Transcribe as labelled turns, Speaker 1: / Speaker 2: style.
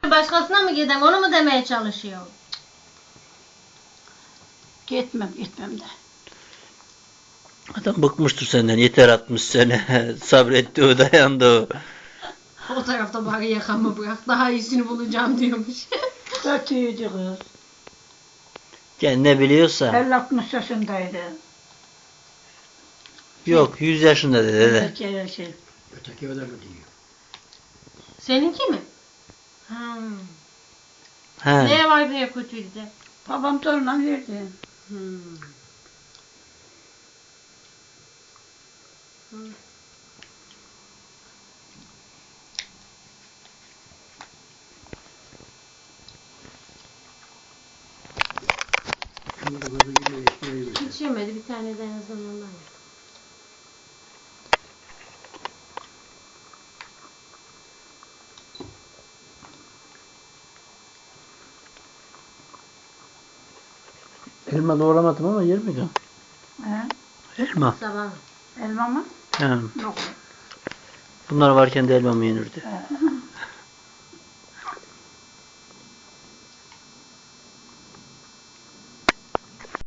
Speaker 1: Başkasına mı gidem? Onu mu demeye çalışıyor?
Speaker 2: Gitmem de.
Speaker 3: Adam bıkmıştır senden. Yeter atmış seni. Sabretti o, dayandı o.
Speaker 1: O tarafta bari yakamı bırak. Daha iyisini bulacağım diyormuş.
Speaker 2: Kötüydü kız.
Speaker 3: Yani ne biliyorsa.
Speaker 2: 50-60 yaşındaydı.
Speaker 3: Yok 100 yaşında dede.
Speaker 4: Öteki öyle mi diyor?
Speaker 1: Seninki mi?
Speaker 3: He.
Speaker 1: Neye var neye kötüydü de?
Speaker 2: Babam toruna verdi.
Speaker 4: Şunu da böyle yine ekmeği ver.
Speaker 1: Hiç yemedi. Bir tane de en azından ondan ye.
Speaker 3: Elma doğramadım ama yer miydi?
Speaker 2: He?
Speaker 3: Elma.
Speaker 1: Sabah.
Speaker 2: Elma mı?
Speaker 3: He.
Speaker 2: Yok.
Speaker 3: Bunlar varken de elma mı yenirdi?
Speaker 2: He.